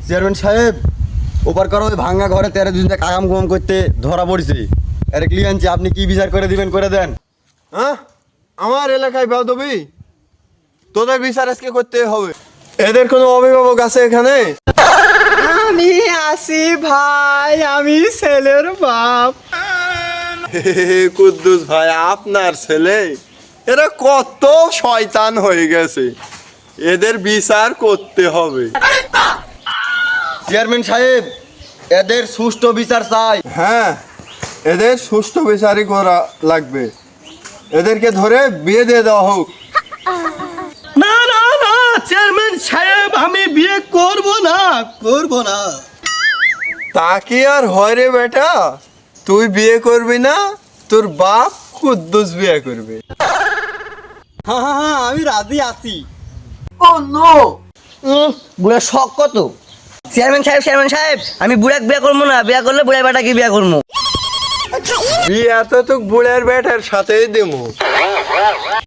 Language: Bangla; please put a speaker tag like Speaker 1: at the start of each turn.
Speaker 1: চেয়ারম্যান সাহেব, ওপার করো ওই ভাঙ্গা ঘরে 13 দিন থেকে আগাম গম করতে ধরা পড়ছে। আরে ক্লিয়ান্ট, আপনি কি বিচার করে দিবেন করে দেন।
Speaker 2: হ্যাঁ, আমার এলাকায় বেয়াদবি, তোদের বিচার আজকে করতে হবে। এদের কোনো অভিভাবক আছে এখানে?
Speaker 3: আমি আসি ভাই, আমি ছেলের বাপ।
Speaker 2: কুদ্দুস ভাই, আপনার ছেলে? এরা কত শয়তান হয়ে গেছে, এদের বিচার করতে হবে।
Speaker 1: চেয়ারম্যান সাহেব, এদের সুষ্ঠু বিচার চাই।
Speaker 2: হ্যাঁ, এদের সুষ্ঠু বিচারই করা লাগবে। এদেরকে ধরে বিয়ে দিয়ে দেওয়া হোক।
Speaker 3: না না না চেয়ারম্যান সাহেব, আমি বিয়ে করব না।
Speaker 2: তা কি আর হয় রে বেটা, তুই বিয়ে করবি না, তোর বাপ কুদ্দুস বিয়ে করবে।
Speaker 3: হ্যাঁ, আমি রাজি আছি।
Speaker 4: বুড়ার শখ কত? চেয়ারম্যান সাহেব, আমি বুড়াক বিয়া করবো না, বিয়া করলে বুড়া বেটাকে বিয়া করবো।
Speaker 2: বিয়ে তো বুড়ের বেটার সাথেই দেবো।